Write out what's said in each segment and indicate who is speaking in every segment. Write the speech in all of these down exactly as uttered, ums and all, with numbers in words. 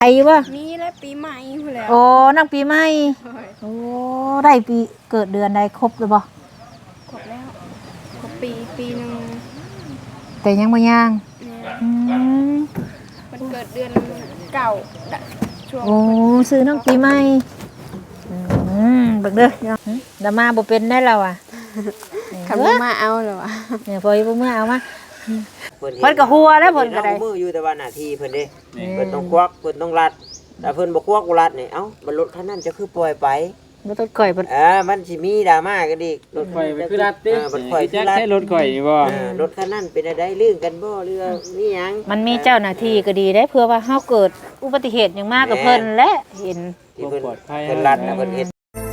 Speaker 1: ไอ้บ่
Speaker 2: มีแล้วปีใหม่พู้นแล้ว
Speaker 1: โอ้นั่งปีใหม่โอ้ได้ปีเกิดเดือนใดครบหรือบ่
Speaker 2: ครบแล้วครบปีปีนึง
Speaker 1: แต่ยังบ่ย่างอืม
Speaker 2: มันเกิดเดือนเก่าช่วง
Speaker 1: โอ้ซื้อน้องปีใหม่อืมเบิ่งเด้อดามาบ่เป็นได้แล้วอ่ะ
Speaker 2: คันบ่มาเอาเหรอวะ
Speaker 1: เนี่ยพอบ่มื้อเอามาเพิ่นก็หัวแล้วเพิ่นก็ได้
Speaker 3: มืออยู่แต่ว่าหน้าที่เพิ่นเด้เพิ่นต้องควักเพิ่นต้องรัดแต่เพิ่นบ่ควักบ่รัดนี่เอ้ามันรถคันนั้นจะคือปล่อยไป
Speaker 1: บ่ต้องก่อยเพิ่น
Speaker 3: เออมันสิมีดราม่ากันอีก
Speaker 4: รถข่อยคือรัดติ
Speaker 3: เออมันข่อยคือรัด
Speaker 4: ใช้รถข่อยบ่
Speaker 3: เออรถคันนั้นเป็นอะไรลื่นกันบ่หรือมีหยัง
Speaker 1: มันมีเจ้าหน้าที่ก็ดีได้เพื่อว่าเฮาเกิดอุบัติเหตุหยังมากกับเพิ่นและเห็น
Speaker 3: ที่เพิ่นเพิ่นรัดนะเพิ่นเฮ็ด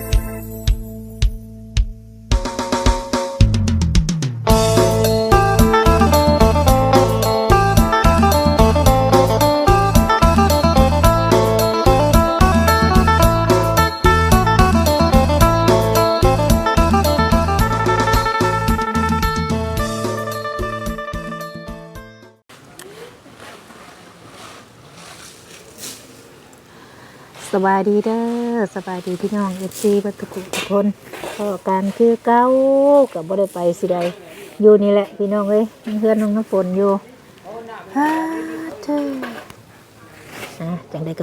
Speaker 1: สบายดีเด้อสบายดีพี่น้อง เอฟ ซี บัดทุกทุกคนก็การคือเก่าก็บ่ได้ไปสิใดอยู่นี่แหละพี่น้องเอ้ยเพื่อนน้องน้ำฝนอยู่ฮ่าเธออ่ะจังได๋ก็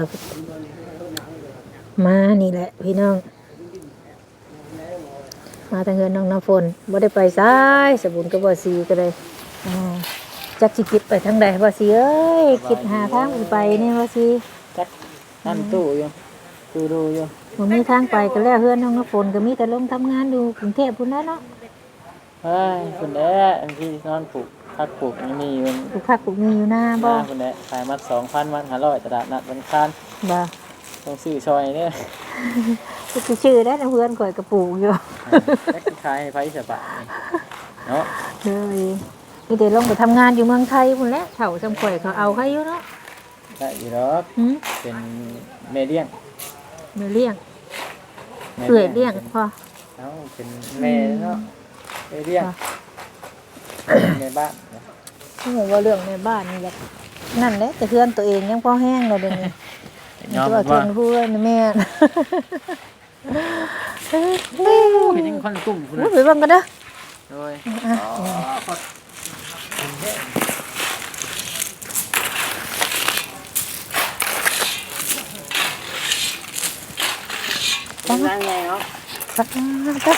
Speaker 1: มานี่แหละพี่น้องมาทางเฮือนน้องน้ำฝนบ่ได้ไปซ้ายสบุญก็บ่สีก็เลยอ่าจักสิคิดไปทางใดบ่สิเอ้ยคิดหาทางไปนี่บ่สิจัก
Speaker 4: ตั้งตู้อยู่ตู้ดูอยู่
Speaker 1: บ่มีทางไปก็แล้วเฮือนน้องน้ำฝนก็มีแต่ลงทำงานอยู่กรุงเทพพุ่นแหละเนาะ
Speaker 4: เฮ้ยคุณแอ้อันที่นอนปลูกพักปลูกนี่มีมัน
Speaker 1: ปลูกผักปลูกมีอยู่หน้าบ่
Speaker 4: คุณแอ้ขายมัด สองพัน มัดห้าร้อยตลาดนัดวันคาน
Speaker 1: บ่
Speaker 4: ต้องซื้อซอยเด้อ
Speaker 1: สิชื่อได้เพื่อนข่อยก็ปลูกอยู่
Speaker 4: แล้วขายให้ไผสบายเนาะ
Speaker 1: เด้อมีแต่ลงไปทำงานอยู่เมืองไทยพุ่นแหละเฒ่าซำข่อยเขาเอาให้อยู่เนาะ
Speaker 4: ได้อยู่ดอกเป็นเมเดียง
Speaker 1: แม่เลี้ยงเอื้อยเลี้ยงพ่อ
Speaker 4: เอ้าเป็นแม่เนาะเมเดียงในบ้าน
Speaker 1: ที่บอกว่าเรื่องในบ้านนี่แหละนั่นแหละแต่เพื่อนตัวเองยังพอแห้งเลยเดี๋ยวนี้ตัวเพื่อนพูดแม่
Speaker 4: เป็นยังคนกลุ่มคุณ
Speaker 1: ไปบ้างกันเด้อ
Speaker 4: โดย
Speaker 3: เป็นยังไงเนาะ
Speaker 1: ครับครับ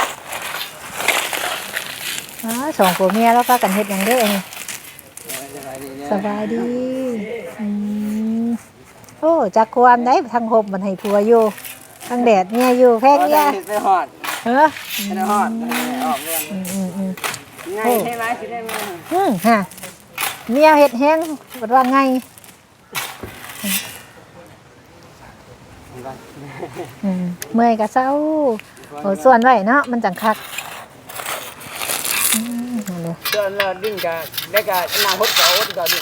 Speaker 1: อ๋อสองผัวเมียแล้วพากันเฮ็ดหยังเด้อนี่สบายดีอืมโอ้จักความได้ทางห่มมันให้ผัวอยู่ทางแดดเมียอยู่แพงเนี่ย
Speaker 3: ไปฮอด
Speaker 1: เออ
Speaker 3: ไปฮอดออกเรื่อง
Speaker 1: อืม
Speaker 3: ๆไงให้หลายสิได้มา
Speaker 1: อืมฮะเมียเฮ็ดแห้งบ่ว่าไงอืมเมื่อยก็เศร้าโอ้ส่วนไว้เนาะมันจังคักอืมนั่นเลย
Speaker 3: ส่วนเราดิ้นก็ได้ก็อนาคตก็อดก็ดิ้น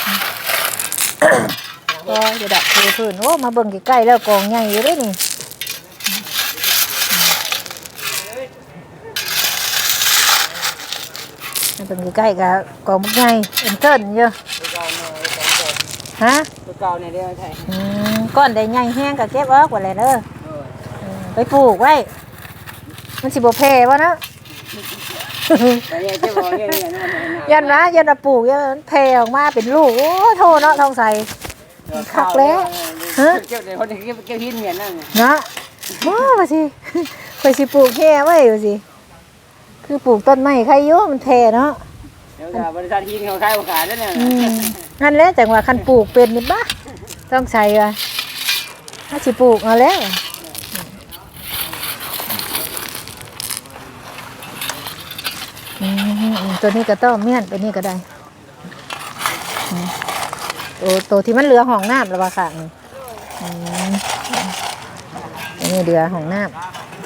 Speaker 1: ก็จะดับคือพื้นโอ้มาเบิ่งใกล้ๆแล้วกองใหญ่อยู่เด้นี่มาเบิ่งใกล้ๆก็กองบักใหญ่เอิ้นเติ้นอยู่ฮะ
Speaker 3: ตัวเก่าเนี่ยเด้อใช่
Speaker 1: อืมก้อนใดใหญ่แห้งก็เก็บออกว่าแหละเด้อไปปลูกไว้มันสิบ่แพ้บ่เนาะยันนะยันปลูกยันแผ่ออกมาเป็นลูกโอ้โทเนาะทองใสคักแล้วฮะ
Speaker 3: เจ้าเดี๋ยวคนเก็บเก็บหินเหมือนนั่น
Speaker 1: เนาะว้าสิคอยสิปลูกแค่ไว้อยู่สิคือปลูกต้นไม้ใครยุ่มันแผ่เนาะ
Speaker 3: เดี๋ยวบริษัทหินเขาขายขายแล้วเนี่ย
Speaker 1: นั่นแหละจังว่าคันปลูกเป็นนิดบ้าต้องใส่ว่ะถ้าสิปลูกเอาแล้วตัวนี้ก็ต้องเมียนตัวนี้ก็ได้ตัวตัวที่มันเหลือห้องน้ำแล้วว่าค่ะอันนี้เดือห้องน้ำ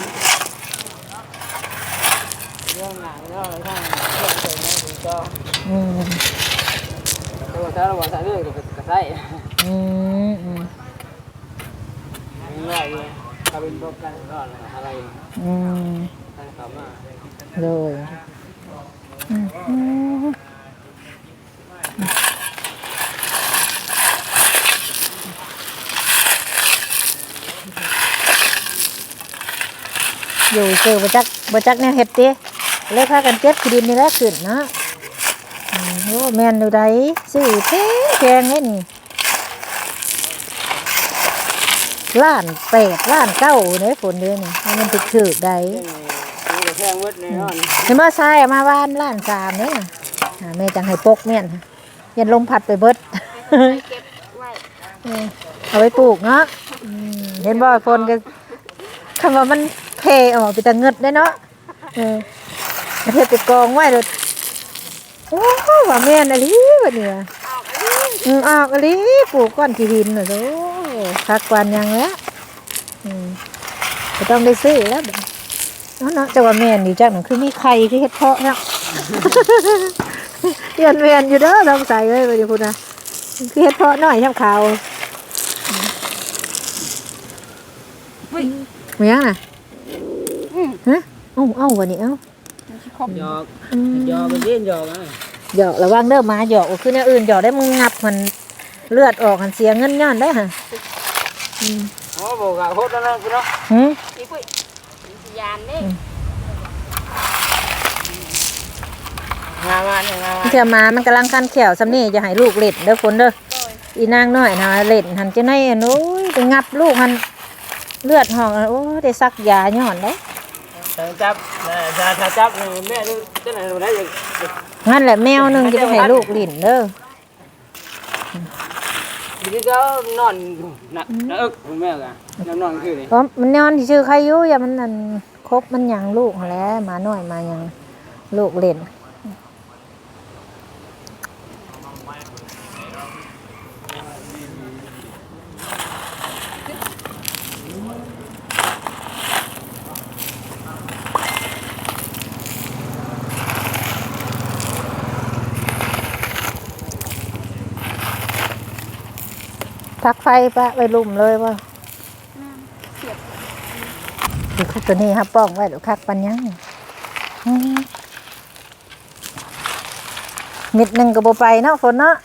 Speaker 1: อืม
Speaker 3: ตัวถ้าเราใส่เรื่อยก็ก็ใส่
Speaker 1: อืมอืม
Speaker 3: ง่ายเลยถ้าเป็นพวกกันก็อะไร
Speaker 1: อืม
Speaker 3: ใส่เข้ามา
Speaker 1: เลยอืมอยู่เจอบ่จักบ่จักแนวเฮ็ดติเลยพากันเก็บขี้ดินนี่แหละขึ้นเนาะอืมโอ้แม่นอยู่ใดซื้อแพงแพงเด้นี่ล้านแปดล้านเก้าเด้ฝนเด้นี่มันถึกๆได้
Speaker 4: นี่ก็แพงเบิดแน่นอน
Speaker 1: เห็นบ่ทรายมาบ้านล้านสามเด้น่ะอ่าแม่จังให้ปกแม่นยันลมพัดไปเบิด
Speaker 2: เก็บไว้
Speaker 1: เออเอาไว้ปลูกเนาะอืมเห็นบ่ฝนก็คำว่ามันเพออกไปแต่เงิดได้เนาะเออประเทศไปกองไว้เลยโอ้ว่าแม่นอะลิบัดนี้ว่ะ
Speaker 2: ออกอันนี้
Speaker 1: อืมออกอะลิปลูกก้อนขี้หินน่ะโอ้คักกวนยังแล้วอืมก็ต้องได้ซื้อแล้วบัดเนาะเนาะแต่ว่าแม่นอยู่จักนั่นคือมีไข่คือเฮ็ดเพาะเนาะ เรียนแม่นอยู่เด้อลองใส่ไว้บัดนี้พุ่นน่ะคือเฮ็ดเพาะน้อยช่ำขาวมียังน่ะฮะเอ้าเอ้าวันนี้เอ้า
Speaker 4: หยอกหยอกไปเล่นหยอกอ่ะ
Speaker 1: หยอกระวังเด้อหมาหยอกคือแนวอื่นหยอกได้มึงงับมันเลือดออกมันเสียเงินย้อนได้ฮะอืม
Speaker 4: โอ้บอกอ่ะโคตรแล้วพี่น้อง
Speaker 1: หืม
Speaker 2: นี่ปุ้ยยานเด้
Speaker 4: งามาเนี่ยงามา
Speaker 1: เชื่อหมามันกำลังคันแขวสำนี่จะให้ลูกเล่นเด้อคนเด้ออีนางน้อยนะเล่นหันจะในอันโอ้ยไปงับลูกมันเลือดห้องโอ้ยได้ซักยาย้อนได้
Speaker 4: จับถ้าถ้าจับแม่ดูจะไหนดูได้ยัง
Speaker 1: งั้นแหละแมวหนึงจะไปให้ลูกเล่นเด้อ
Speaker 4: ทีนี้ก็นอนนักนักอึกแม่กันนอนนอนคือนี่
Speaker 1: เพราะมันนอนที่ชื่อใครอยู่อย่ามันนั่นครบมันหยังลูกหั้นแหล้วหมาน้อยมาหยังลูกเล่น ทักไฟปะไปลุ่มเลยว่าดูคักตัวนี้ครับป้องไว้ดูคักปันยังอืมมิดหนึ่งกับโบไปเนาะฝนเนาะ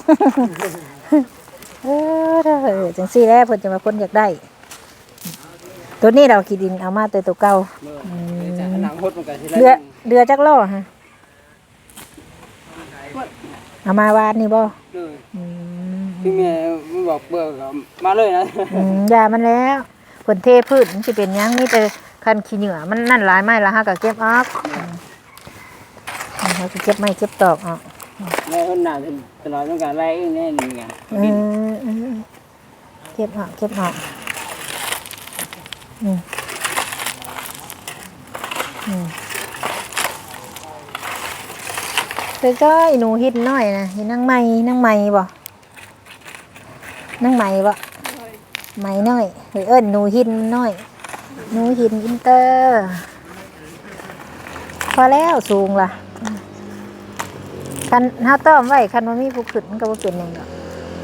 Speaker 1: เออเด้อจังซี่แล้วเพิ่นจะมาคนอยากได้ ตัวนี้เราขีดินเอามาตัวตัวเก่า
Speaker 4: จะหนังหดมันกันทีละ
Speaker 1: เรือเรือจักรล้อฮะเอามาวานนี่บ่
Speaker 4: เลย
Speaker 1: อืม
Speaker 4: พี่แม่มันบอกเบื่อมาเลยนะ
Speaker 1: อืมยามันแล้วผลเทพืชมันสิเป็นหยังนี่แต่คันขี้เหงื่อมันนั่นหลายไม้ละฮะก็เก็บออกอืมเขาก็เก็บไม้เก็บตอกออก
Speaker 4: แม่คนหนาตลอดต้องการไล่แน่นี่ไง
Speaker 1: อืมอืมเก็บออกเก็บออกอืมอืมแต่ก็อีหนูฮิตน้อยนะฮิตนั่งไม้นั่งไม้บ่นั่งไม้บ่ไม้น้อยเฮ้ยเอิ้นหนูหินน้อยหนูหินอินเตอร์พอแล้วสูงล่ะคันเฮาต้อมไว้คันว่ามีผู้ขึ้นมันก็บ่เป็นหยังดอก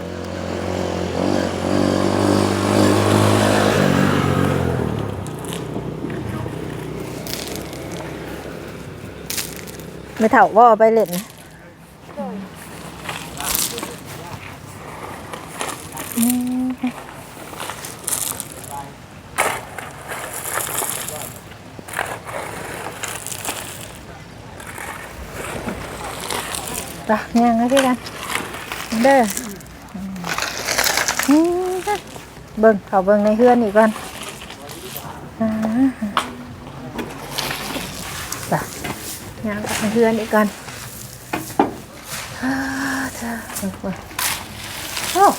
Speaker 1: ไม่เท่าว่าเอาไปเล่นนะอืมไปย่างให้พี่กันเด้ออืมเบิ่งเขาเบิ่งในเฮือนอีกก่อนอ่าไปย่างกับในเฮือนอีกก่อนอ่าจ้าเบิ่งเบิ่งโอ้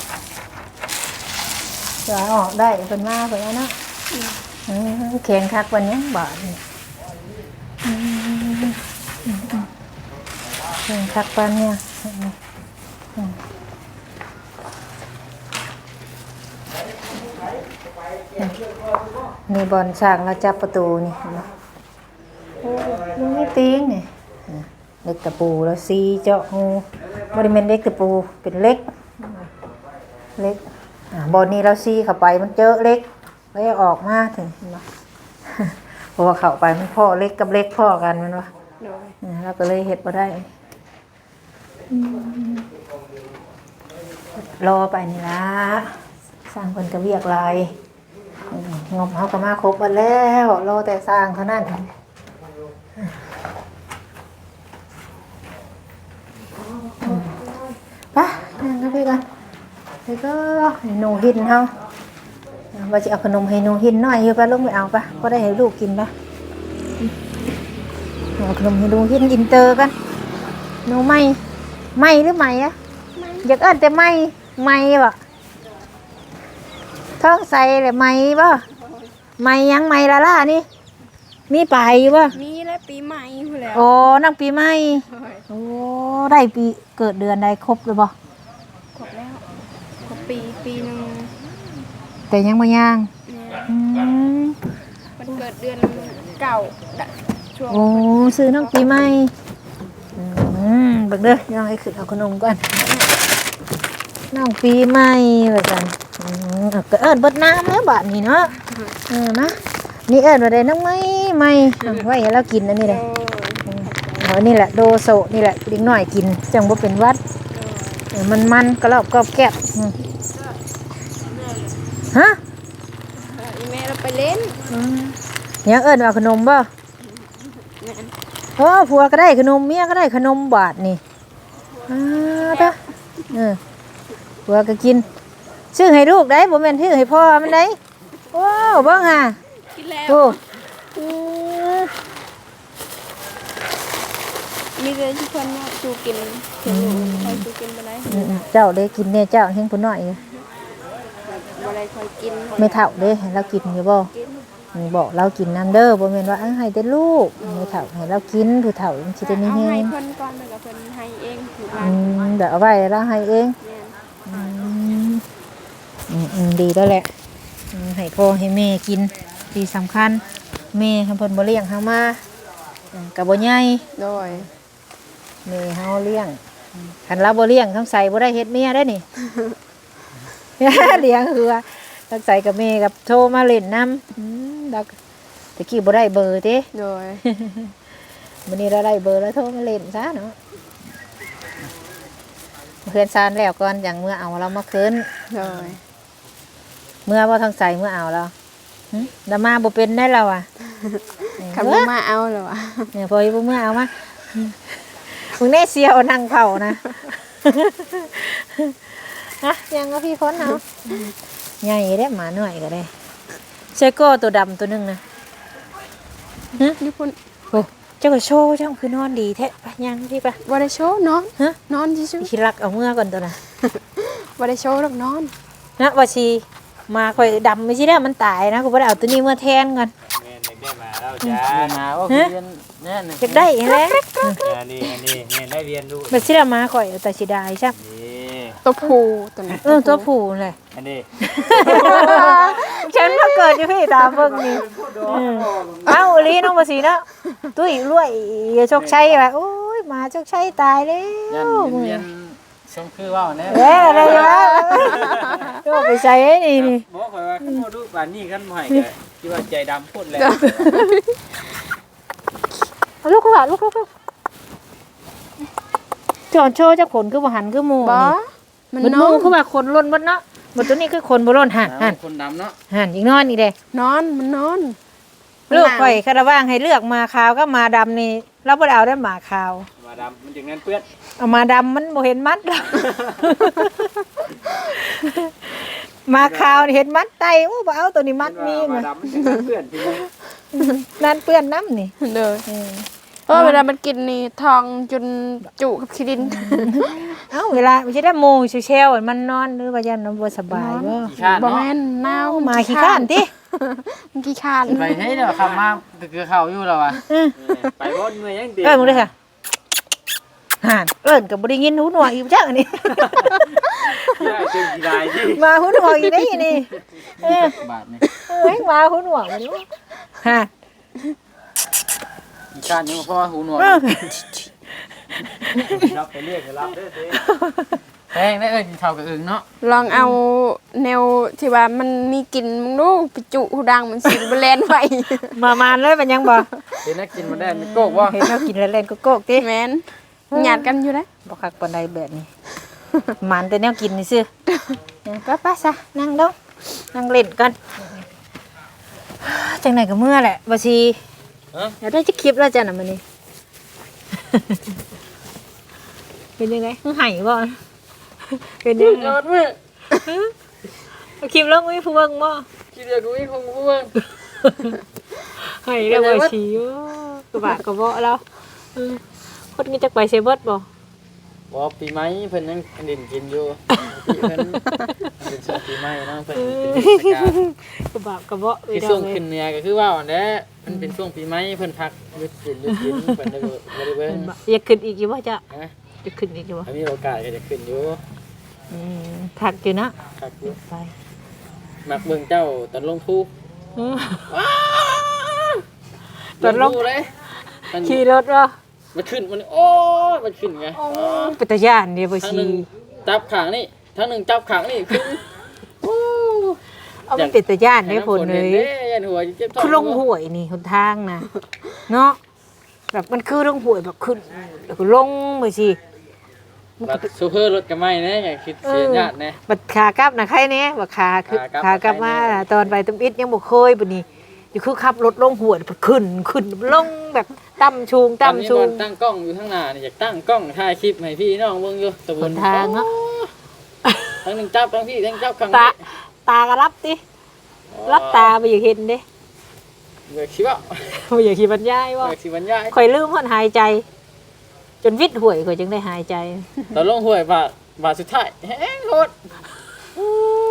Speaker 1: จะออกได้เป็นมาเพิ่นแล้วเนาะอืมแข็งคักวันนี้บาดนี่อืมอืมอืมแข็งคักปานเนี่ยอืมอืมนี่บอลช่างเราจับประตูนี่เห็นไหมโอ้ดูไม่ตีงนี่เล็กตะปูแล้วซีเจาะงูบริเวณเล็กตะปูเป็นเล็กเล็กอ่าบอลนี้เราซีเข้าไปมันเจอเล็กแล้วออกมาถึงเห็นไหม เพราะว่าเข้าไปมันพ่อเล็กกับเล็กพ่อกันมันวะ
Speaker 2: โดย
Speaker 1: อ่าเราก็เลยเห็ดมาได้อืมรอไปนี่ละสร้างคนกระเวียกลายอืมงบเขาก็มาครบหมดแล้วรอแต่สร้างเท่านั้นไปนั่งกันพี่กันแล้วก็ให้หนูหินเขาว่าจะเอาขนมให้หนูหินหน่อยอยู่ปะลูกไม่เอาปะก็ได้ให้ลูกกินปะเอาขนมให้หนูหินอินเตอร์กันหนูไม่ไม่หรือไม่อะอยากเอิ้นแต่ไม่ไม่บ่ท้องใส่เลยไม่บ่ไม่ยังไม่ละล่ะนี่มีไปอยู่บ่
Speaker 2: มีแล้วปีใหม่พู้นแล้ว
Speaker 1: โอ้นั่งปีใหม่โอ้ได้ปีเกิดเดือนใดครบเลยบ่
Speaker 2: ครบแล้วครบปีปีหนึง
Speaker 1: แต่ยังบ่ย่าง
Speaker 2: เนี่ย
Speaker 1: อืม
Speaker 2: มันเกิดเดือนเก้าดะช่วง
Speaker 1: โอ้ซื้อน้องปีใหม่อืมเบักเด้อยังให้ขึ้นเอาขนมก่อนน้องปีใหม่ว่าซั่นอืมเอาก็เอิ้นเบิดน้ำแล้วบัดนี้เนาะเออมานี่เอิ้นว่าได้น้องไม้ใหม่เอาไว้ให้เรากินอันนี้
Speaker 2: โด
Speaker 1: เด้อย อ๋อนี่แหละโดโซนี่แหละเด็กน้อยกินจังบ่เป็นหวัดเออมันมันกระรอบกรอบแกบอืมฮะ
Speaker 2: เอออีแม่เราไปเล่น
Speaker 1: ยังเอิ้นว่าขนมบ่
Speaker 2: แม่น
Speaker 1: โอ้ผัวก็ได้ขนมเมียก็ได้ขนมบาทนี่อ้าตะเออผัวก็กินซื้อให้ลูกได้บ่แม่นซื้อให้พ่อมันได้โอ้เบิ่งห่า
Speaker 2: กินแล้ว
Speaker 1: โอ้อือ
Speaker 2: มีแต่ที่เพิ่นว่าจูกินเห็นอยู่คอยจูกินบ่ได้
Speaker 1: อืมเจ้าได้กินแน่เจ้าเฮงผู้น้อยอยู่
Speaker 2: บ่ได้คอยกิน
Speaker 1: ไม่เฒ่าเด้ให้เรากินอยู่บ่
Speaker 2: กิน
Speaker 1: นี่บอกเรากินน้ำเด้อบ่แม่นว่าเอ้าให้แต่ลูกไม่เฒ่าให้เรากินผู้เฒ่ามันสิได้มี
Speaker 2: เอา
Speaker 1: แฮ
Speaker 2: ให้
Speaker 1: ง
Speaker 2: เพิ่นก่อนแล้วก็เพิ่นให้เองถูกหลา
Speaker 1: อื
Speaker 2: น
Speaker 1: มเดี๋ยวเอาไว้แล้วให้เอง
Speaker 2: แม่น
Speaker 1: อืมอืมอืมดีแล้วแหละอืมให้พ่อให้แม่กินดีสำคัญแม่ให้เพิ่นบ่เลี้ยงเฮามาอืมก็บ่ใหญ่
Speaker 2: โดย
Speaker 1: แม่เฮาเลี้ยงอืมคันเราบ่เลี้ยงทั้งใส่บ่ได้เฮ็ดเมียได้นี่ เลี้ยงคือว่าทั้งใส่กับแม่กับโทรมาเล่นนำอืมแล้วก็ตะกี้บ่ได้เบอร์ติ
Speaker 2: โดย
Speaker 1: วันนี้เราได้เบอร์แล้วโทรมาเล่นซะเนาะเพื่อนซานแล้วก่อนอย่างเมื่อเอาเรามาคืน
Speaker 2: โดย
Speaker 1: เมื่อว่าทางใส่เมื่อเอาเราหึดามาบ่เป็นได้เราอ่ะ
Speaker 2: คำว่ามาเอาเหรอวะ
Speaker 1: เนี่ยพออยู่เมื่อเอามามึงแน่เสียวนั่งเผานะ ฮะยังก็พี่พ้นเอาใหญ่ได้หมาหน่อยก็ได้เชโก้ตัวดำตัวหนึงนะฮะ
Speaker 2: นี่พุ่น
Speaker 1: โอ้เจ้าก็โชว์เจ้าคือนอนดีแท้ไปยังพี่ปะ
Speaker 2: บ่ได้โชว์นอน
Speaker 1: ฮะ
Speaker 2: นอนซื่อ
Speaker 1: คิดรักเอาเมื่อก่อนตัวน่ะ
Speaker 2: ๆบ่ได้โชว์หรอกนอน
Speaker 1: นะว่าชีมาข่อยดำไม่ใช่ได้มันตายนะกูบ่ได้เอาตัวนี้เมื่อแทนก่อน
Speaker 3: แม่นได้มาแล้วจ้า
Speaker 4: เรียนมาว่าคือเรียนแน่น
Speaker 1: อยากได้อีแล้ว
Speaker 3: อันนี้อันนี้แม่นได้เรียนรู้
Speaker 1: มันสิได้มาข่อยเอาแต่สิได้ใช่
Speaker 3: นี่
Speaker 2: ตัวผู้ตัวนี้
Speaker 1: เออตัวผู้เลย
Speaker 3: อันนี้
Speaker 1: ฉันมาเกิดอยู่พี่ตามเบิ่งนี่เออเอ้าอีหลีน้องบ่สีเนาะตุ้ยรวยโชคชัยว่าโอ้ยหมาโชคชัยตายแล้
Speaker 4: ยัน
Speaker 1: ว
Speaker 4: เรียนสมคือว่าแน่
Speaker 1: เอ้ยอะไรวะโยกไปใส่ไอ้นี่นี่
Speaker 4: บอกข่อยว่าขึ้นมาดูป่านนี้กันบ่ให้แกคิดว่าใจดำพูดแล้ว
Speaker 1: เอาลูกก็ว่าลูกลูกลูกจอนโชว์จะขนคือบ่หันคือหมู่
Speaker 2: บ่
Speaker 1: นี่
Speaker 2: มัน
Speaker 1: มัน
Speaker 2: น
Speaker 1: ห
Speaker 2: อ
Speaker 1: มู่
Speaker 2: น
Speaker 1: คือว่าขนล้นหมดเนาะหมดตัวนี้คือขนบ่ล้นหันหัน
Speaker 4: คนดำเนาะ
Speaker 1: หันอีกนอนอีกเด้
Speaker 2: นอนมันนอน
Speaker 1: ลูกข่อยคาราว่างให้เลือกมาขาวก็มาดำนี่เราบ่ได้เอาได้หมาขาว
Speaker 4: มาดำมันจึงนั้นเปื้อน
Speaker 1: เอามาดำมันบ่เห็นมัดหรอก มาขาวนี่เห็นมัดไตโอ้บ่เอาตัวนี้มัดมี
Speaker 4: มา
Speaker 1: มา
Speaker 4: ดำมันจึงนั้นเปื้อนจริง
Speaker 2: Ừ.
Speaker 1: นั่นเปื้อนน้ำนี่
Speaker 2: เด้อ
Speaker 1: เออ
Speaker 2: เออเวลามันกินนี่ทองจนจุกับขี้ดิน
Speaker 1: เอ้าเวลาไม่ใช่ได้โมงเชลๆมันนอนหรือว่ายันนอนบ่สบายบ่
Speaker 4: ขี้ข้าน
Speaker 2: บ่
Speaker 4: เนาะ
Speaker 2: แม่นหนาว
Speaker 1: มาขี้ข้านติ
Speaker 2: มันขี้ข้าน
Speaker 4: ไปให้เดี๋ยวคำมาคือเขาอยู่แล้ววะ
Speaker 1: เออ
Speaker 3: ไปบ่นเมื่อยยังเด็ก
Speaker 1: เอิ้นมึงเลยค่ะห่านเอิ้นก็บ่ได้ยินหูหนวกอีกจังอันนี้
Speaker 3: ได้จึงสิได้ที่
Speaker 1: มาหูหนวกอีกได้อีนี่เออบ
Speaker 4: าทนี่
Speaker 1: เอ้ยมาหูหนวกมาดิห่าน
Speaker 4: ขี้ข้านยังพ่อหูหนวก
Speaker 1: เออ
Speaker 3: รับไปเรียกรับเด้อเด้
Speaker 4: แพงได้เอ้ยกินข้าวกับอึ่งเนาะ
Speaker 2: ลองเอาแนวที่ว่ามันมีกลิ่นมึงดูไปจุหูดังมันสิบ่แล่นไว้
Speaker 1: มามานเลยมันยังบ่
Speaker 4: เห็นนักกินมาได้มันโกกว่า
Speaker 1: เห็นเรากินแล้วเล่นก็โกกติ
Speaker 2: แม่นหยาดกันอยู่นะ
Speaker 1: บ่คักปานใดแบบนี้ มันแต่แนวกินนี่ซื่อไปๆซะนั่งดงนั่งเล่นกันจังไหนก็เมื่อแหละบ่ชีเดี๋ยวได้จะคลิปแล้วจ้ะน่ะมื้อนี้ เป็นยังไงมึงไห้บ่เป็นยังไง
Speaker 4: ยอดมื้อ
Speaker 1: เอาคลิปลงไว้ผู้เบิ่งบ่
Speaker 4: คิดอยากรู้อีกคงบ่เบิ่ง
Speaker 1: ไห้แล้วบ่ชีโอ้กระบะกระเบาะแล้วเออคนนี้จักไปเซเบิดบ่
Speaker 4: บ่ปีใหม่เพิ่นยังเล่นกินอยู่ปีเพิ่นเป็นช่วงปีใหม่เนาะเพิ่นเป็นเทศกาล
Speaker 1: กระบะกระเบาะไป
Speaker 4: คือ
Speaker 1: ดอ
Speaker 4: ช่วง
Speaker 1: เลย
Speaker 4: ขึ้นเหนือก็คือว่าอันนี้มันเป็นช่วงปีใหม่เพิ่นพักหยุดกินหยุดกินเพิ่นได้บ่บ่ได้เบิ่ง
Speaker 1: อยากขึ้นอีกอยู่บ่จ้ะ
Speaker 4: ฮะ
Speaker 1: จะขึ้นอีกอยู่บ่
Speaker 4: ถ้ามีโอกาสก็จะขึ้นอยู่
Speaker 1: อืมถักอยู่นะ
Speaker 4: ครับอยู่
Speaker 1: ไป
Speaker 4: มักเบิ่งเจ้าตอนลงภู
Speaker 1: เออ ตอนลง
Speaker 4: ภูเลยมัน
Speaker 1: ขี่รถบ่
Speaker 4: มันขึ้นมันโอ้ยมันขึ้นไง
Speaker 1: เป็นตาย่านเดียวบ่
Speaker 4: ทั้ง
Speaker 1: ชี
Speaker 4: หนึงจับขางนี่ทั้งหนึงจับขางนี่ขึ้นโอ้
Speaker 1: เอามันเป็นตาย่านได้ผลเลย
Speaker 4: ให้น้ำฝนเห็นเด้ยันหัวเจ็บท้อง
Speaker 1: คือลงห้วยนี่หนทางนะเนาะแบบมันคือลงห้วยแบบขึ้นแล้วก็ลงบ่ชี
Speaker 4: บัดซูเปอร์รถก็ไม่แน่ไงคิดเสียญาติแน่
Speaker 1: บัดขากลับนะใครเนี้ยบัดขาคือ
Speaker 4: ขากลับ
Speaker 1: ขากลับมาตอนไปตุ้มอิดยังบ่เคยบัดนี้อยู่คือขับรถลงห้วยบัดขึ้นขึ้นลงแบบต่ำชูง
Speaker 4: ตอน
Speaker 1: ต่ำ
Speaker 4: นี้
Speaker 1: ชู
Speaker 4: บอง ลตั้งกล้องอยู่ข้างหน้านี่อยากตั้งกล้องถ่ายคลิปให้พี่น้องเบิ่งอยู่ตะบ
Speaker 1: ห
Speaker 4: น
Speaker 1: นทางเนาะ
Speaker 4: ทั้งหนึ่งจับทั้งพี่ทั้งจับข้าง
Speaker 1: ตา
Speaker 4: นี้
Speaker 1: ตาก็รับติรับตาบ่อยากเห็นเด้
Speaker 4: เบิกชิวะ
Speaker 1: บ่อยากสิบรรยายว่า
Speaker 4: เบิกสิบรรยาย
Speaker 1: ข่อยลืมฮอดหายใจ จนวิดห่วยข่อยจึงได้หายใจ
Speaker 4: ตอนลงห้วยบาทบาทสุดท้ายแห้งโคตรอู้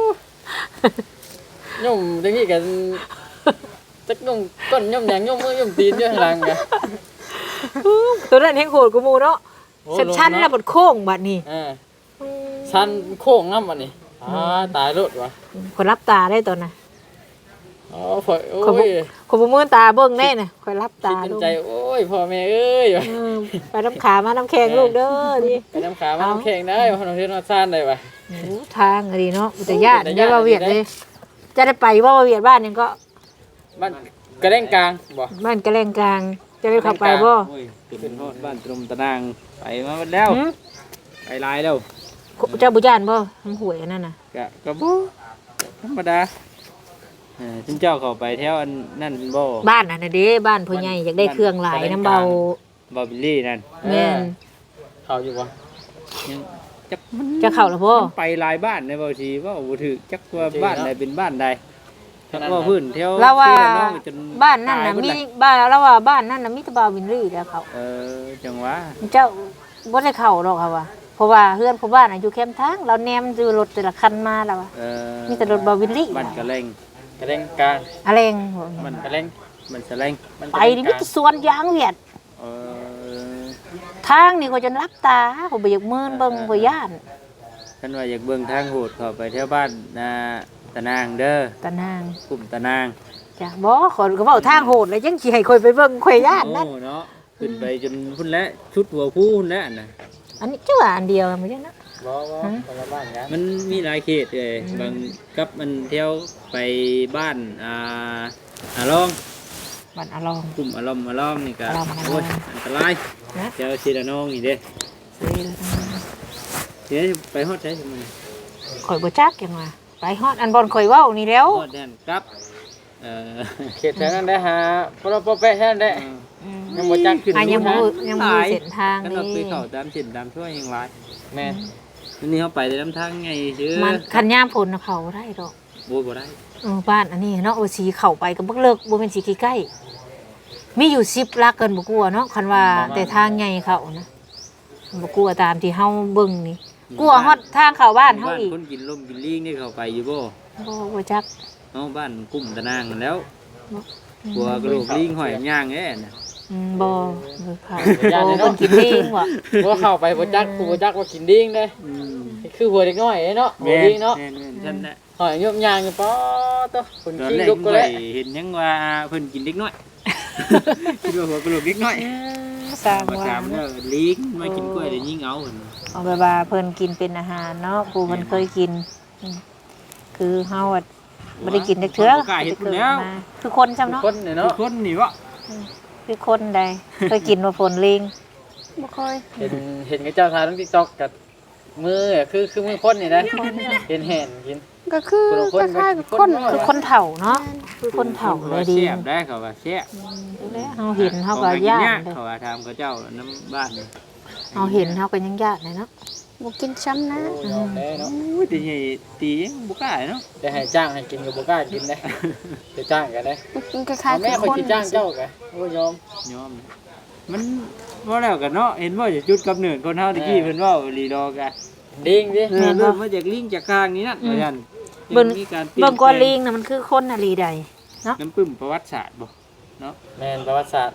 Speaker 4: ย่มตะกี้กันจักย่มก้นย่มแดงย่มมือย่มตีนอยู่ข้างหลังไง
Speaker 1: ตัวนั้นแห่งโหดกูมูเนาะชันๆแล้วบดโค้งบัดนี้
Speaker 4: เออชันโค้งน้ำวันนี้อ่าตายรถวะ
Speaker 1: คนรับตาได้ตอนน่ะ
Speaker 4: อ๋อพอโอ้
Speaker 1: คนบ่
Speaker 4: ย
Speaker 1: คนบ่มือตาเบิ่งแน่น่ะคอยรับ
Speaker 4: คิ
Speaker 1: ตา
Speaker 4: ดใน
Speaker 1: ลูก
Speaker 4: ใจโอ้ยพ่อแม่เอ้ย
Speaker 1: เออไปน้ำขามาน้ำแข็งลูกเด้อดิ
Speaker 4: ไปน้ำขามาน้ำแข็งได้พอน้องเทนนอซ่านได้ปะ
Speaker 1: โอ้ทางอะดีเนาะอุตยาน
Speaker 4: อุทยาน
Speaker 1: ได้ว่าเวียดเลย จะได้ไปว่าเวียดบ้านยังก็
Speaker 4: บ้านกระเด้งกลางบ่
Speaker 1: บ้านกระแลงกลาง จะได้เข้าไปบ่
Speaker 4: โอ้ยขึ้นฮอดบ้านตรมตะนางไปมาหมดแล้ว
Speaker 1: หืม
Speaker 4: ไปหลายแล้ว
Speaker 1: เจ้าบุญานบ่ทำหวยอันนั่นน่ะ
Speaker 4: กะกะบ่ธรรมดาเออจุนเจ้าเข้าไปแถวอันนั่นบ่
Speaker 1: บ้านน่ะน่ะเด้บ้านพ่อใหญ่อยากได้เครื่องหลายน้ำเบา
Speaker 4: บ่บิลลี่นั่น
Speaker 1: แม่น
Speaker 4: เข้าอยู่บ่ยังจักมัน
Speaker 1: จะเข้าแล้วบ่
Speaker 4: มันไปหลายบ้านในบ่ทีว่าบ่ถือจักว่าบ้านใดเป็นบ้านใดจักว่าพื้นแถว
Speaker 1: เราว่า
Speaker 4: ที่ละน้องจ
Speaker 1: บ้านนั่นน่ะ
Speaker 4: ตยหด
Speaker 1: มี
Speaker 4: เลย
Speaker 1: บ้านเราว่าบ้านนั่นน่ะมีแตะบาววินรี่แล้วเขา
Speaker 4: เออจังหวะ
Speaker 1: เจ้าบ่ได้เข้าดอกค่ะว่าเพราะว่าเฮือนพ่อบ้านน่ะอยู่แคมป์ทางเราแนมดูรถแต่ละคันมาแล้วว่า
Speaker 4: เออ
Speaker 1: มีแต่รถบาววินรี่
Speaker 4: บ้านกระเลงกระเลงกลาง
Speaker 1: อะไรง
Speaker 4: มันกระเลงมันสะเลงมัน
Speaker 1: ไปนี่มีแต่สวนยางเวียด
Speaker 4: เออ
Speaker 1: ทางนี่ก็จนรับตาผมบ่อยากมืนเบิ่งบ่ย่าน
Speaker 4: ท่านว่าอยากเบิ่งทางโหดเข้าไปแถวบ้านนาตะนางเด้อ
Speaker 1: ตะนาง
Speaker 4: กลุ่มตะนาง
Speaker 1: จ้ะบ่ขอยก็เว้าทางโหดแล้วยังสิให้ข่อยไปเบิ่งข่อยย่านนั่น
Speaker 4: โอ้เนาะขึ้นไปจนพุ่นแล้วชุดหัวผู้พุ่นแล้วน่ะ
Speaker 1: อันนี้จังหวะอันเดียวมันจังนะ
Speaker 4: บ่บ่คนละบ้านกันมันมีหลายเขตเลยบางกับมันเที่ยวไปบ้านอ่าอาลอง
Speaker 1: บ้านอะลอง
Speaker 4: กลุ่มอารมณ์อารมณ์นี่ก็
Speaker 1: อารมณ์อารมณ์
Speaker 4: โอ้ยอันตราย
Speaker 1: นะ
Speaker 4: เจ้าชีระนองนี่เด้
Speaker 1: ซื้อแล้วทั้งนั้น
Speaker 4: เดี๋ยวไปฮอดใช้สิมัน
Speaker 1: ข่อยบ่จักจังว่าไปฮอดอันบอนข่อยเว้านี่แล้ว
Speaker 4: ฮอดแดนครับเอ่อเขตแถวนั้นได้หาพอเราปอแปะแท้ได้
Speaker 1: อืม
Speaker 4: ยังบ่จักขึ้น
Speaker 1: อ่ะยังบ่
Speaker 4: รู้
Speaker 1: ยังบ่รู้เส้นทาง
Speaker 4: กัน
Speaker 1: นี่
Speaker 4: เราไปเข้าตามเส้นตามช่วยยังหลายแม่นวันนี้เขาไปได้ลำทางไงชื่อ
Speaker 1: มันคันยามฝนน่ะเข้าบ่ได้ดอก
Speaker 4: โบ่บ่ได้
Speaker 1: เออบ้านอันนี้เนาะโอสีเข้าไปก็บ่เลิกบ่แม่นสิใกล้ๆมีอยู่สิบลักเกินบ่กลัวเนาะคันว่าแต่ทางใหญ่เข้านะบ่กลัวตามที่เฮาเบิ่งนี่กลัวฮอดทางเข้าบ้านเฮาอีก
Speaker 4: คนกินลมกินลิงนี่เข้าไปอยู่บ่
Speaker 1: บ่บ่จัก
Speaker 4: เอาบ้านกลุ่มตะนางนั่นแล้วกลัวกระโหลกลิงหอยย่างแน่น่ะ
Speaker 1: อืมบ่บ่เข้าบ่เพิ่นกินเองว่ะ
Speaker 3: ว่าเข้าไปบ่จักกูบ่จักว่ากินดิ้งเด้
Speaker 4: อืม
Speaker 3: คือหัวเด็กน้อยเนาะหัว
Speaker 4: แม่น
Speaker 3: ดิ้งเนาะ
Speaker 4: แม่นแม่นฉันน่ะ
Speaker 3: หอยยมยางอยู่ป๊อตคน
Speaker 4: ตอน
Speaker 3: ขี้
Speaker 4: แรก
Speaker 3: ลุกก็
Speaker 4: ข่
Speaker 3: แล้
Speaker 4: อยว เห็นยังว่าเพิ่นกินเด็กน้อย คิดว่าหัวกระโหลกเด็กน้อย
Speaker 1: สร้าง
Speaker 4: มา
Speaker 1: ว่า
Speaker 4: ถามแล้วลิงมากินกล้วยได้ยิงเอาเพิ่น
Speaker 1: เอาไปว่าเพิ่นกินเป็นอาหารเนาะกูเพิ่นเคยกินอืมคือเฮาอะบ่ได้กินจักเทื่อ
Speaker 4: บ่กล้าเฮ็ดพุ่นแล้ว
Speaker 1: มาคือคนจำเนาะ
Speaker 3: คนเนี่ย
Speaker 4: ทุ
Speaker 3: เนาะ
Speaker 4: กคนนี่วะ
Speaker 1: คือคนใดเคยกินว่าฝนลิงบ่เคย
Speaker 3: เห็นเห็นกับเจ้าทายทั้ง TikTok กับมืออะคือคือมือคนนี่นะเห็นแห่นกิน
Speaker 2: ก็คือ
Speaker 3: คนละคน
Speaker 2: คล้ายๆกับ
Speaker 3: คน
Speaker 2: คน
Speaker 3: น้อย
Speaker 1: คือคนเฒ่าเนาะคือคนเฒ่าเลยดี
Speaker 4: เสียบได้เขาว่าเสียบ
Speaker 1: แล้วเฮาเห็นเฮาก็ย่านเลย
Speaker 4: เขาว่าทำเขาเจ้าน้ำบ้านนี่
Speaker 1: เฮาเห็นเฮาก็ยังย่านเลยเนาะ
Speaker 2: บ่กินซ้ำนะ
Speaker 5: โอ้ยอมได้เนาะ
Speaker 4: อุ้ยตีใหญ่ตียังบุกล้าเนาะ
Speaker 5: แต่ให้จ้างให้กินก็บ่กล้ากินได้จะจ้างกันได้
Speaker 2: มันคล้าย
Speaker 5: เอา
Speaker 2: ๆ
Speaker 5: แม่
Speaker 2: คือ
Speaker 5: คอย
Speaker 2: คน
Speaker 5: สิจ้างเจ้าก็โอ้ยยอม
Speaker 4: ยอมมันว่าแล้วกันเนาะเห็นว่าจะจุดกับเนินคนเฮาตะกี้เพิ่นว่าลีดอกะ
Speaker 5: ดิ้งดิ
Speaker 4: เออเริ่มมาจากลิงจากข้างนี้นั่นว่าซั่น
Speaker 1: เบิ่ง
Speaker 4: มีการปลี่ยน
Speaker 1: เบิ่งก้อนลิงน่ะมันคือคนน่ะลีใด
Speaker 4: น้ำปึ้มประวัติศาสตร์บ่เนาะ
Speaker 5: แม่นประวัติศาสตร์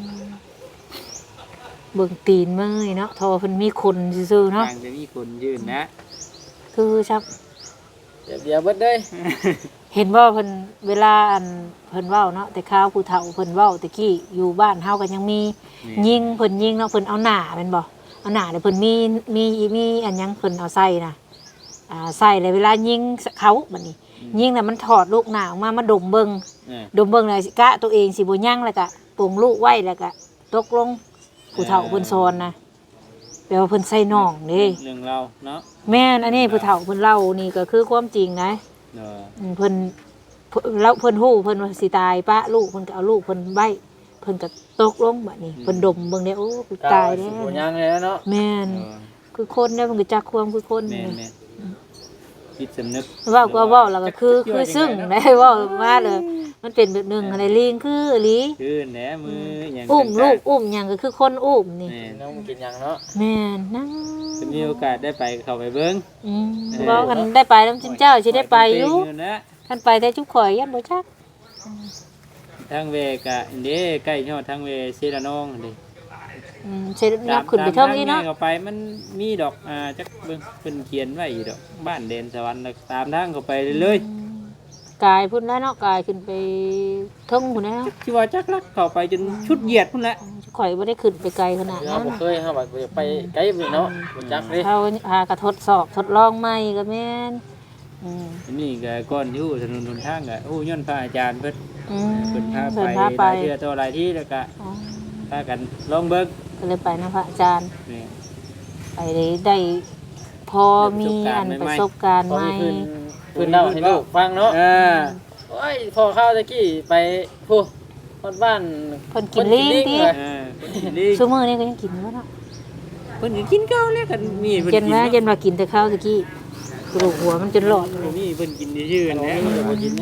Speaker 1: เบิ่งตีนเมื่อยเนาะทอเพิ่นมีคนซื่อๆเนาะ
Speaker 4: ทางจะมีคนยืนนะ
Speaker 1: คือชับ
Speaker 5: เดี๋ยวเดี๋ยวเบิดเด้ย
Speaker 1: เห็นว่าเพิ่นเวลาอันเพิ่นเว้าเนาะแต่ข้าวผู้เฒ่าเพิ่นเว้าตะกี้อยู่บ้านเฮาก็ยังมียิงเพิ่นยิงเนาะเพิ่นเอาหน้าแม่นบ่เอาหน้าแล้วเพิ่นมีมีมีอันหยังเพิ่นเอาใส่น่ะอ่าใส่แล้วเวลายิงเขาบัดนี้ยิงแล้วมันถอดลูกหน้าออกมามาดมเบิ่ง
Speaker 4: เออ
Speaker 1: ดมเบิ่งแล้วสิกะตัวเองสิบ่ยังแล้วก็ปลงลูกไว้แล้วก็ตกลงผู้เฒ่าเพิ่นสอนนะแปลว่าเพิ่นใส่น่องเด้
Speaker 4: เรื่องเราเนาะ
Speaker 1: แม่นอันนี้ผู้เฒ่าเพิ่นเล่านี่ก็คือความจริงนะ
Speaker 4: เออ
Speaker 1: อืมเพิ่นเพิ่นแล้วเพิ่นฮู้เพิ่นว่าสิตายปะลูกเพิ่นก็เอาลูกเพิ่นไว้เพิ่นก็ตกลงบัดนี้เพิ่นดมเบิ่งได้โอ้กูตายแล้
Speaker 5: สิ
Speaker 1: ว
Speaker 5: บ่ยังเลยเนาะ
Speaker 1: แม่น
Speaker 4: เออ
Speaker 1: คือคนเด้อเพิ่นก็จักความคือคน
Speaker 4: แม่นแม่นคิดสำนึก
Speaker 1: เว้าก็เว้าแล้วก็คือคือซึ่งได้เว้ามาเลยมันเป็นแบบหนึงอะไรลิงคืออีหลี
Speaker 4: คือแหนมืออย่าง
Speaker 1: อุ้ม
Speaker 4: ต่างๆ
Speaker 1: ลูกอุ้มหยังก็คือคนอุ้มนี่
Speaker 4: แม่น
Speaker 5: น้องกินหยังเนาะ
Speaker 1: แม่นนั่ง
Speaker 4: จะมีโอกาสได้ไปเข้าไปเบิ่ง
Speaker 1: อืมเว้ากันได้ไปนำจินเจ้าสิได้ไปอยู่
Speaker 4: นะ
Speaker 1: คันไปแต่จุกข่อยยันบ่จัก
Speaker 4: ทางเวกะเด้ใกล้ยอดทางเวเซรานองเด้
Speaker 1: อืมสิยับขึ้นไปเทิงอีเนาะ
Speaker 4: ตมทเข้าไปมันมีดอกอ่าจักเบิ่งเพิ่นเขียนไว้อยู่ดอกบ้านเดนสวรรค์แล้วตามทางเข้าไปเลย
Speaker 1: กายพุ่นแล้วเนาะกายขึ้นไปเทิงพุ่นแล้ว
Speaker 4: ๆที่ว่าจักลักเข้าไปจนชุดเหยียดพุ่นแหละ
Speaker 1: ข่อยบ่ได้ขึ้นไปไกลขนาด
Speaker 5: เรา
Speaker 1: นั้น
Speaker 5: บ่เคยเฮาว่าจะไปไกลนี่เนาะบ่จักเด้
Speaker 1: เขาหากระทดสอบทดลองใหม่ก็แม่นอืม
Speaker 4: อันนี่ก็ก่อนอยู่ถนนหนทางก็โอ้ย้อนพระอาจารย์เพิ่น
Speaker 1: อืม
Speaker 4: เพิ่นพา
Speaker 1: เพิ่น
Speaker 4: ไป
Speaker 1: พา
Speaker 4: ห
Speaker 1: ไป
Speaker 4: ลายเทื่อต่อหลายที่แล้วก็
Speaker 1: อ๋อ
Speaker 4: พากันลองเบิ่ง
Speaker 1: ก็เลยไปนะพระอาจารย์
Speaker 4: นี่
Speaker 1: ไปได้ได้พอมีอันประสบการณ์
Speaker 5: พอ
Speaker 1: ใหม่
Speaker 5: มีเพิ่นเพิ่นเล่าให้ลูกฟังเนาะ
Speaker 4: เออ
Speaker 5: โอ้ยพอเข้าตะกี้ไปผู้ฮอดบ้าน
Speaker 1: เพิ่นกินลิ้นติ
Speaker 5: เลย
Speaker 4: เออเพิ่นกินดี
Speaker 1: ซุมื้อนี้ก็ยังกินบ่เนาะ
Speaker 4: เพิ่นก็กินข้าวแล้วกันมีเพิ่น
Speaker 1: เจ
Speaker 4: กิ
Speaker 1: น
Speaker 4: น
Speaker 1: ว่า
Speaker 4: เนาะ
Speaker 1: เจนว่ากินแต่ข้าวตะกี้กระดูกหัวมันจนหลอดเลย
Speaker 4: นี่เพิ่นกินชื่อๆ
Speaker 5: แล้
Speaker 4: แล้ว ว
Speaker 5: จะบ่กินนะ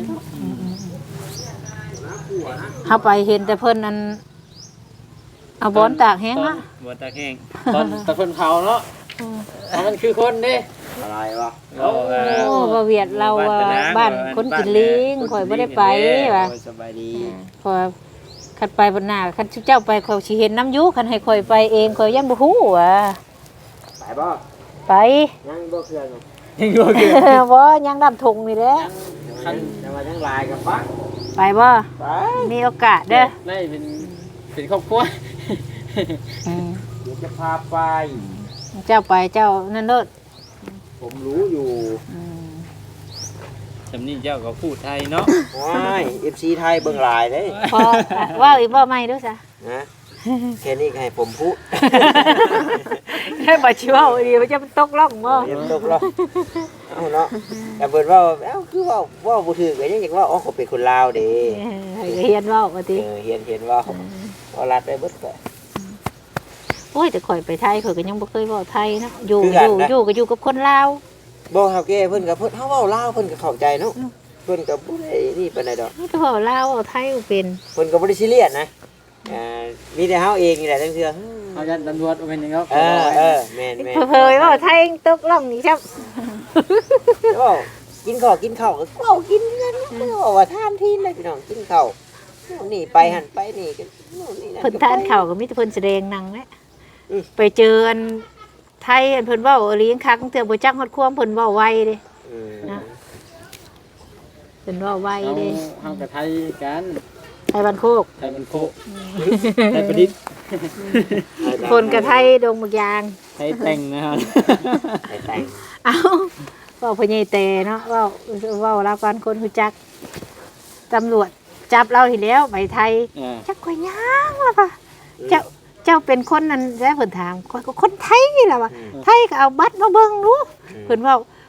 Speaker 1: เฮาไปเห็นแต่เพิ่นอันเอาบอนตากแห้งละ
Speaker 4: บ่ตาแห้ง
Speaker 5: ตอนตะเพิ่นเผาเนาะเอามันคือคนเด้
Speaker 3: อะไรวะ
Speaker 4: โอ้เออ
Speaker 1: โอ้บ่เวียดเราว่าบ้านคนกินลิงข่อยบ่ได้ไปว่ะ
Speaker 3: โอ้ยสบายดี
Speaker 1: พอคันไปบนหน้าคันเจ้าไปข่อยสิเห็นน้ำอยู่คันให้ข่อยไปเองข่อยยังบ่ฮู้ว่ะ
Speaker 3: ไปบ่
Speaker 1: ไป
Speaker 3: ยังบ่เครื่อง
Speaker 4: ยังบ่เกิด
Speaker 1: บ่ยังดำทงนี่แหละ
Speaker 3: คันแต่ว่ายังลายกับปัก
Speaker 1: ไปบ่
Speaker 3: ไป
Speaker 1: มีโอกาสเด้อ
Speaker 5: ได้เป็นเป็นครอบครัว
Speaker 1: อืม
Speaker 3: เดี๋ยวจะพาไป
Speaker 1: เจ้าไปเจ้านั่นเด้อ
Speaker 3: ผมรู้อยู่
Speaker 1: อืม
Speaker 4: สำนี้เจ้าก็พูดไทยเนาะ
Speaker 3: ว้าย เอฟ ซี ไทยเบิ่งหลายเด้
Speaker 1: พอว่าอีกบ่ใหม่เด้อซะ
Speaker 3: นะแค่นี้ก็ให้ผมพูด
Speaker 1: ให้บ่ชิเว้าดีมันจะตกล่องบ่
Speaker 3: เดี๋ยวตกหรอกเอาเนาะแต่เพิ่นเว่าเอ้าคือเว่าเว่าบ่ถูกก็ยังอยากเว่าอ๋อเขาเป็นคนลาวเด้
Speaker 1: ให้เฮียนเว้าว่าติ
Speaker 3: เออเฮียนเฮียนเว่าว่ารัดได้เบิดก็
Speaker 1: โอ้ยแต่ข่อยไปไทยข่อยก็ยังบ่เคยเว้าไทยเนาะอยู่
Speaker 3: คือ
Speaker 1: อ
Speaker 3: กัน
Speaker 1: ยู่
Speaker 3: นะ
Speaker 1: อยู่ก็อยู่กับคนลาว
Speaker 3: บ่เฮาแก่เพิ่นก็เพิ่นเฮาเว้าลาวเพิ่นก็เข้าใจเนาะเพิ่นก็บ่ได้นี่ปานใดดอก
Speaker 1: นี่ก็เว้าลาวเว้าไทยบ่เป็น
Speaker 3: เพิ่นก็บ่ได้ซีเรียสนะอ่ามีแต่เฮาเองนี่แหละทั้งเทื่อ
Speaker 5: เอายันตำรวจเอาเป็นยังไง
Speaker 3: เออเออแม่นแม่น
Speaker 1: เผยๆเว้าไทยตกล่องนี่ครับ
Speaker 3: เว้ากินข้าวกินข้าวก็เว้ากินกันเพิ่นว่าว่าทานทีนเลยพี่น้องกินข้าวโน่นนี่ไปหั่นไปนี่กันโน่นนี่นั่น
Speaker 1: เพิ่นทานข้าวก็มีแต่เพิ่นแสดงหนังแหละ
Speaker 3: อืม
Speaker 1: ไปเจออันไทยอันเพิ่นเว้าอีหลีคักตั้งแต่บ่จักฮอดความเพิ่นเว้าไวเด้
Speaker 3: อืม
Speaker 1: นะ เพิ่นเว้าไว
Speaker 5: เอา
Speaker 1: เด้
Speaker 5: เฮากับไทยกัน
Speaker 1: ไทยบ้านโคก
Speaker 5: ไทยมันโค
Speaker 4: ไทยประดิษฐ์
Speaker 1: คนกับไทยดงบักยาง
Speaker 4: ไทยแต่งนะครับ
Speaker 3: ไปแต่ง
Speaker 1: เอ้าเว้าพญายเตเนาะเว้าเว้ารับกันคนฮู้จักตำรวจจับเราทีแล้วไปไทย
Speaker 4: เออ
Speaker 1: จักข่อยย่างล่ะป่ะเจ้าเจ้าเป็นคนนั้นได้เพิ่นถามข่อยก็คนไทยนี่ล่ะว่ะไทยก็เอาบัตรมาเบิ่งดูเพิ่นเว้าไทย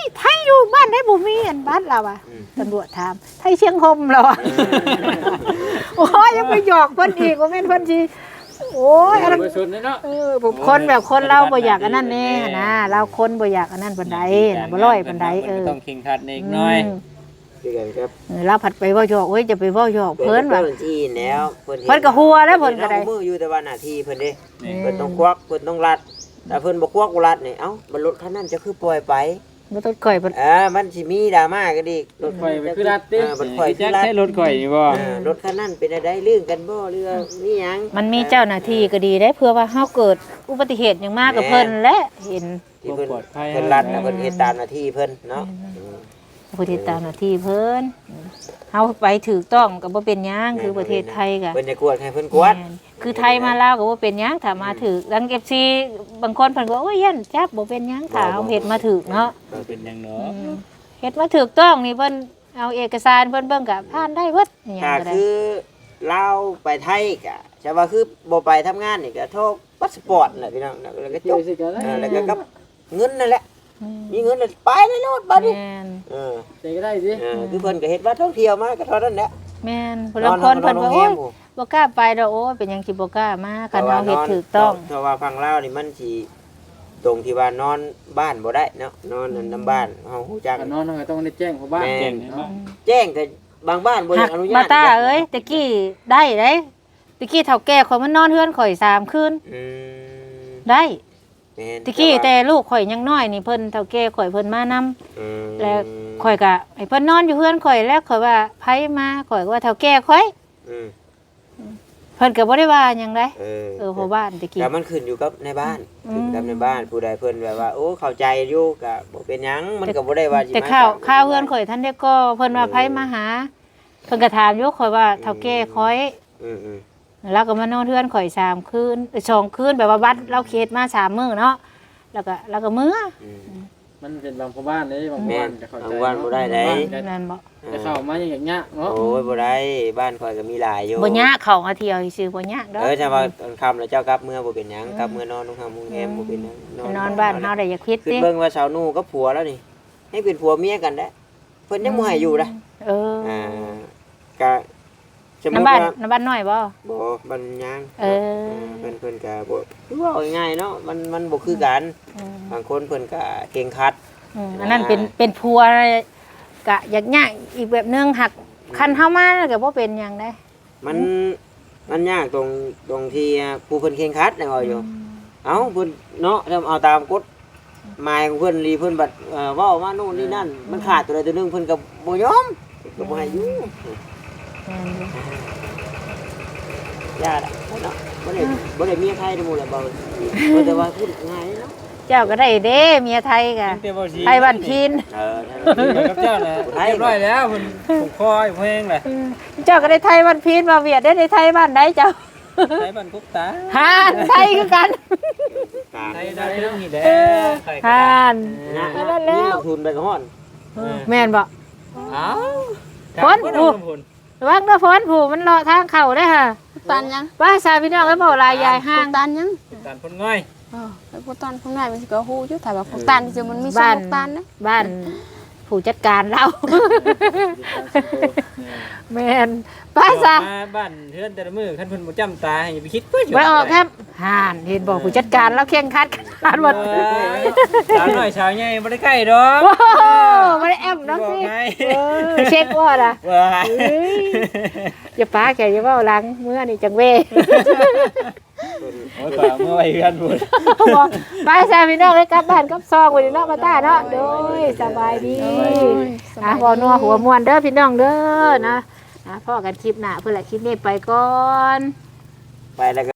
Speaker 1: ไทยอยู่บ้านได้บ่มีอันบ้านเราอ่ะ
Speaker 3: อืม
Speaker 1: ตำรวจถามไทยเชียงคมเราอ่ะโอ้ยยังไปหยอกเพิ่นอีกว่าแม่นเพิ่นสิโอ้ยอันนั้น
Speaker 5: เบอร์ชุดนี่เนาะ
Speaker 1: เออผมคนแบบคนเราบ่อยากอันนั้นแน่นะเราคนบ่อยากอันนั้นปานใดนะบ่ร้อยปานใดเออ
Speaker 4: ต้องเข่งขัดนิดหน่อย
Speaker 1: ม
Speaker 3: คือกันครับ
Speaker 1: เออเราผัดไปเว้าหยอกโอ้ยจะไปเว้าหยอกเพิ่นว่า
Speaker 3: เพิ่นที่แล้วเพิ่น
Speaker 1: เพิ่นก็หัวแล้วเพิ่นก็ได้
Speaker 3: อามืออยู่แต่ว่าหน้าที่เพิ่นเด้
Speaker 4: นี่
Speaker 3: เพิ่นต้องควักเพิ่นต้องรัดแต่เพิ่นบ่ควักบ่รัดนี่เอ้าบรรลุคันนั้นจะคือปล่อยไป
Speaker 1: บ่ต้องก่อยเพิ่น
Speaker 3: เออมันสิมีดราม่ากันอีกรถ
Speaker 5: ไปไปคือรัดติ
Speaker 3: เออมันข่อย
Speaker 4: แจ็
Speaker 3: คือ
Speaker 4: ค
Speaker 3: รัด
Speaker 4: ใช้รถข่อยนี่บ่
Speaker 3: เออรถคันนั้นเป็นอะไรเรื่องกันบ่หรือว่ามีหยัง
Speaker 1: มันมีเจ้าหน้าที่ก็ดีได้เพื่อว่าเฮาเกิดอุบัติเหตุหยังมากกับเพิ่นและเห็น
Speaker 3: ที่เพิ่นเพิ่นรัดนะเพิ่นเฮ็ดตามหน้าที่เพิ่นเนาะ
Speaker 1: ผู้ที่ตามหน้าที่เพิ่นเฮาไปถูกต้องก็บ่เป็นหยังคือประเทศไทยก็
Speaker 3: เพิ่นจะกวดให้เพิ่นกวด
Speaker 1: แม่นคือไทยมาลาวก็บ่เป็นหยังถ้ามาถูกดัง เอฟ ซี บางคนเพิ่นก็โอ้ยยันจับบ่เป็นหยังถ้าเฮาเฮ็ดมาถูกเนาะ
Speaker 4: เป็นหยังเนาะ
Speaker 1: อืมเฮ็ดมาถูกต้องนี่เพิ่นเอาเอกสารเพิ่นเบิ่งก็ผ่านได้เบิดอหยัง
Speaker 3: ถ้า
Speaker 1: ก็ได้
Speaker 3: คือลาวไปไทยก็จะว่าคือบ่ไปทำงานนี่ก็โทรพาสปอร์ตน่ะพี่น้องแล้วก็จ
Speaker 5: เกี่ยว
Speaker 3: บ
Speaker 5: สิกันแล้ว
Speaker 3: เออแล้วก็กับเงินนั่นแหละ
Speaker 1: อืม
Speaker 3: มีเงินแล้วไปเลยโลดบัดนี้
Speaker 1: แม่น
Speaker 3: เออ
Speaker 5: ใจก็ได้สิ
Speaker 3: เออคือเพิ่นก็เฮ็ดว่าท่องเที่ยวมาก็เท่านั้นแหละ
Speaker 1: แม่นผู้ลางคนเพิ่นว่าโอ้ยบ่กล้าไปดอกโอ้ยเป็นหยังสิบ่กล้ามาคันเฮาเฮ็ดถูกต้อง
Speaker 3: เพราะว่าฟังลาวนี่มันสิตรงที่ว่านอนบ้านบ่ได้เนาะนอนนั่นนํบ้านเฮาฮู้จัก
Speaker 5: การนอนก็ต้องได้แจ้งเขาบ้าน
Speaker 3: แม่
Speaker 4: เก่งเนาะ
Speaker 3: แจ้งก็บางบ้านบ่อ
Speaker 1: หั
Speaker 3: ยาก กอนุญา
Speaker 1: มา
Speaker 3: ต
Speaker 1: ตาเอ้ยตะกี้ได้เด้ตะกี้เฒ่าแก่ข่อยมันนอนเฮือนข่อยสามคืน
Speaker 3: อืม
Speaker 1: ได้
Speaker 3: แม่น
Speaker 1: ตะกี้แต่ลูกข่อยยังน้อยนี่เพิ่นเฒ่าแก่ข่อยเพิ่นมานำ
Speaker 3: อืม
Speaker 1: แล้วข่อยก็ให้เพิ่นนอนอยู่เฮือนข่อยแล้วข่อยว่าไผมาข่อยก็ว่าเฒ่าแก่ข่อย
Speaker 3: อืม
Speaker 1: เพิ่นก็บ่ได้ว่าหยังได
Speaker 3: เออ
Speaker 1: เออเพราะบ้านตะกี้
Speaker 3: แต่มันขึ้นอยู่กับในบ้าน
Speaker 1: อืม
Speaker 3: ขึ้นกับในบ้านผู้ใดเพิ่นแบบว่าโอ้เข้าใจอยู่ก็บ่เป็นหยังมันก็บ่ได้ว่าสิ
Speaker 1: แต่
Speaker 3: ม
Speaker 1: ข้าว
Speaker 3: ตม
Speaker 1: ข้าวเฮือนข่อยท่านได้ก็เพิ่นว่าไผมาหาเพิ่นก็ถามอยู่ข่อยว่าเฒ่าแก่ข่อย
Speaker 3: อืมอืม
Speaker 1: แล้วก็มานอนเทือนข่อยสามคืนเอ้ยสองคืนแบบว่าวัดเราเขตมาสามมื้อเนาะแล้วก็แล้วก็มื้อ
Speaker 3: อืม
Speaker 5: มันเป็นบางพ่อบ้านเลยบาง
Speaker 3: แม่
Speaker 5: บ้าน
Speaker 3: น
Speaker 5: จะเข้าใจ
Speaker 3: บางบ้านบ่ได้เด้
Speaker 1: นั่นบ่
Speaker 5: จะเข้ามาอย่างเงี้ยเนาะ
Speaker 3: โอ้ยบ่ได้บ้านข่อยก็มีหลายอยู่
Speaker 1: บ่ยากเข้ามาเที่ยวซื่อบ่ยากดอก
Speaker 3: เออถ้าว่าตอนค่ำแล้วเจ้ากลับเมื่อบ่เป็นหยังกลับเมื่อนอนโรงแรมโรงแรมบ่เป็นหยัง
Speaker 1: นอนบ้านเฮาได้อย่าคิด
Speaker 3: คือ
Speaker 1: ติ
Speaker 3: เบิ่งว่าสาวหนูกับผัวแล้วนี่ ให้เป็นผัวเมียกันได้เพิ่นยังบ่ให้อยู่นะ
Speaker 1: เออ
Speaker 3: อ่าก็สมมุ
Speaker 1: น้ำ
Speaker 3: ติ
Speaker 1: บ้าน
Speaker 3: ว่า
Speaker 1: น้ำบ้านน้อยบ่
Speaker 3: บ่บันยัง
Speaker 1: เออ
Speaker 3: เพิ่นเพิ่นก็บ่คือว่าเอาง่ายๆเนาะมันมันบ่คือกัน
Speaker 1: อืม
Speaker 3: บางคนเพิ่นก็เก่งคัด
Speaker 1: อืมอันนั้นเป็นเป็นผัวกะยากยากอีกแบบนึงหักคันเฮามาแล้วก็บ่เป็นหยังได้
Speaker 3: มันมันยากตรงตรงที่ผู้เพิ่นเก่งคัดนะว่าอยู่ เอ้าเพิ่นเนาะถ้าเอาตามกฎหมายของเพิ่นรีเพิ่นบัดเอ่อเว้ามาโน่นนี่นั่น มันขาดตัวใดตัวหนึงเพิ่นก็บ่ยอมก็บ่ให้อยู่
Speaker 1: แม่นอยู่
Speaker 3: ญาติอะเนาะบ่ได้บ่ได้เมียไทยทั้งหมดแหละบ่เออแต่ว่าพูดง่ายเนาะ
Speaker 1: เจ้าก็ได้เด้เมียไทยกะ
Speaker 4: เดี๋ยวบ่สิ
Speaker 1: ไทยบ้านพีน
Speaker 3: เออ
Speaker 4: ไปกับเจ้าน่ะเรียบร้อยแล้วเพิ่นผูกคอให้เพลงแหละ
Speaker 1: เจ้าก็ได้ไทยบ้านพีนมาเวียดได้ในไทยบ้านใดเจ้า
Speaker 4: ไทยบ้านกุ๊กตา
Speaker 1: ฮานไทยคือกัน
Speaker 4: ไทยได้เรื่องนี้แหละ
Speaker 1: เออ
Speaker 4: ไทย
Speaker 1: ฮาน
Speaker 3: นะ
Speaker 1: นั่นแล้ว
Speaker 3: ลงทุนไปก็ฮ้อน
Speaker 1: แม่นบ่
Speaker 4: เอ้า
Speaker 1: ฝนผูระวังเด้อฝนผูมันเลาะทางเข้าได้อค่ะ
Speaker 2: ตันยัง
Speaker 1: ว่าซาพี่น้องแล้วบ่ลายยายห้าง
Speaker 2: ตันยัง
Speaker 4: ตานพ่นง่อย
Speaker 2: เออไอ้พวกตันพวกนายมันสิก็ฮู้อยู่แต่ว่าพวกตันจริงๆมันมีสองพวกตันนะ
Speaker 1: บ้านผู้จัดการเรา แม่นไปซะ
Speaker 4: มาบ้านเฮือนแต่ละมื้อคันเพิ่นบ่จำตาให้อย่าไปคิดเพิ่น
Speaker 1: ไปออกครับห่านเห็นบอกผู้จัดการเราเข่งครัดขนาดหมด
Speaker 4: สาวน้อยสาวใหญ่บ่ได้ใกล้ดอก
Speaker 1: ว้าวไม่ได้แอมนะสิ
Speaker 4: บอกไง
Speaker 1: เออเช็คว่าล่ะ
Speaker 4: ว้า
Speaker 1: เอ้ยอย่าป้าแกอย่าเว่าหลังเมื่อนี่จังเว่
Speaker 4: โอ้ยป่าเมื่อไหร่กันบุญ
Speaker 1: บอกไปซะพี่น้องเลยกลับบ้านกลับซองวันนี้เนาะมาต้าเนาะโดยสบายดีอ่ะบ่นัวหัวม่วนเด้อพี่น้องเด้อนะอ่ะพ่อกันคลิปหน้าเพื่อนละคลิปนี้ไปก่อน
Speaker 3: ไปแล้วก็